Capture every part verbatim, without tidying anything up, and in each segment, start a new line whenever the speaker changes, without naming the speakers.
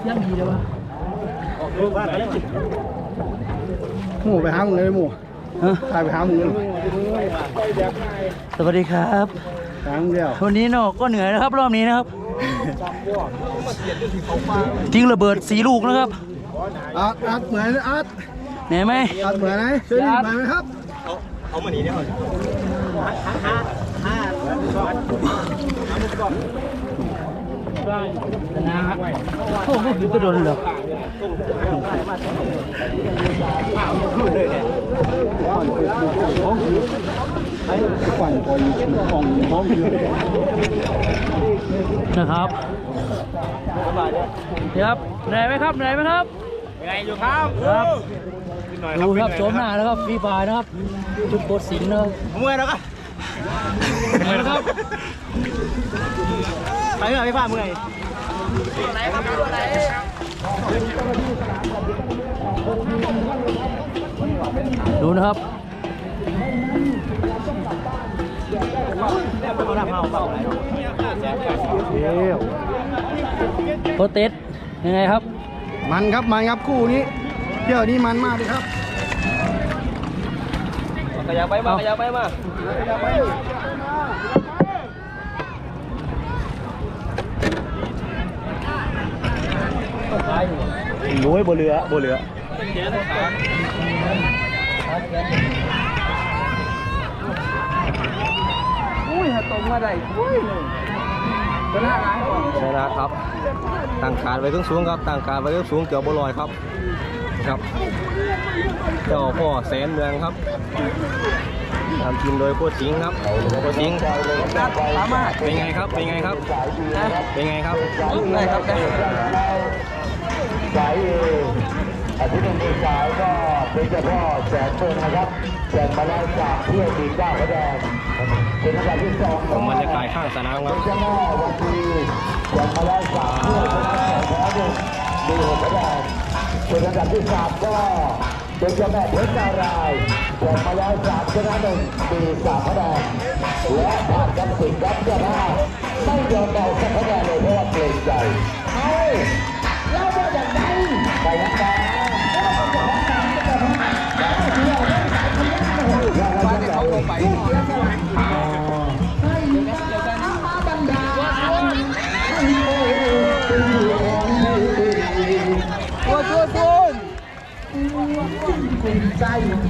ยังดีเลยวะ
หมูไปหามึงเลยหมูตายไปหามึงเลย
สวัสดีครับ
หามึงเดียว
วันนี้เนาะก็เหนื่อยนะครับรอบนี้นะครับทิ้งระเบิดสีลูกนะครับ
อาร์ตอาร์ตเหมือนอาร์ต
เหนื่อยไหม
อาร์ตเหมือนไหมช่วยดีเหมือนไหมครับ
เอาเอามาหนีเนี่ย
นะครับโอ้โหคือจะโดนเหรอ
ปั่นคอยกล่องพร้อมอยู่
นะครับเดี๋ยวครับเหนื่อยไหมครับเหนื่อยไหมครับ
ยังไงอยู่ครับ
ครับดูครับโฉมหน้าแล้วครับฟรีไฟนะครับจุดโคตรสิงห์นะครับ
เมื่อยแล้วก็
เมื่อยนะครับ
ไปเมื่อยพี่ฟ้าเมื่อยไหนครับตัวไหน
ดูนะครับโปรเตสยังไงครับ
มันครับมันครับคู่นี้เที่ยวนี้มันมากเลยครับ
ขยับไปมาขยับไปมาหนุ่ยบนเรือบนเรืออุ้ยตรงมาได้อุ้ยชนะชนะครับตั้งการไว้เครื่องสูงครับตั้งการไว้เครื่องสูงเกือบบลอยครับครับเจ้าพ่อแสนเมืองครับทำทีมโดยโค้ชสิงห์ครับโค้ชสิงห์เป็นไงครับเป็นไงครับเป็นไงครับได้ครับได้
สายเออาทิตย์หนึ่งสายก็เป็นเจ้าพ่อแสนเมืองนะครับแข่งมาแล้วจากเพื่อทีมเจ้าพระแดงเป็นอันดับที่สอง
ผมบรรยากาศข้างสนามครับ
เจ้าแม่วันทีแข่งมาแล้วจากเพื่อชนะสองแพ้หนึ่งดูหกพระแดงเป็นอันดับที่สามก็เป็นเจ้าแม่เพชรนารายณ์แข่งมาแล้วสามชนะหนึ่งมีสามพระแดงและผ่านกันสิงครับเจ้าภาพไม่ยอมเบาสักพระแดงเลยเพราะว่าเกรงใจเฮ้ยแล้วว่าอย่างไรไปยังไงบ้านเขาลงไปตัวตัวตัวใจ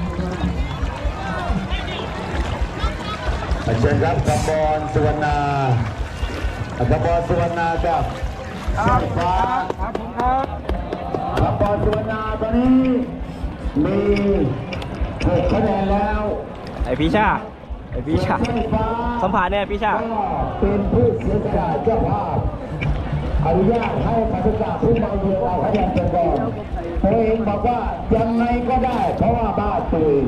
เชิญครับกำบอลสุวรรณากำบอลสุวรรณาครับสายฟ้าครับผมครับกำบอลสุวรรณาตอนนี้มีหกคะแนนแล้ว
ไอพี่ชาไอพี่ชาสัมผัสเนี่ยพี่ชา
เป็นผู้เสียสละเจ้าภาพอนุญาตให้ปฏิบัติผู้มาเยือนเอาคะแนนเป็นก่อนตัวเองบอกว่ายังไงก็ได้เพราะว่าบ้าตุย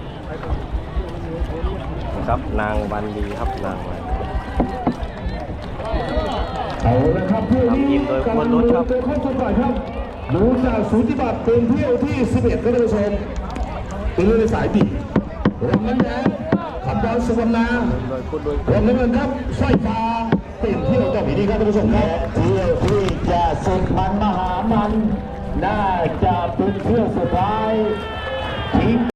ครับนางวันดีครับนางวัน
เอาละครับเที่ยวนี้กำลังดูเป็นข้อสงสัยครับดูจากสูติบัตรเป็นเที่ยวที่สิบเอ็ดก็ได้ชมเป็นเรื่องในสายบีรวมนั้นแล้วขับบอลสุวรรณารวมนั้นครับสร้อยฟ้าเป็นเที่ยวเจ้าผีดีครับท่านผู้ชมครับเที่ยวที่จะสุดมันมหามันน่าจะเป็นเที่ยวสุดท้ายทีม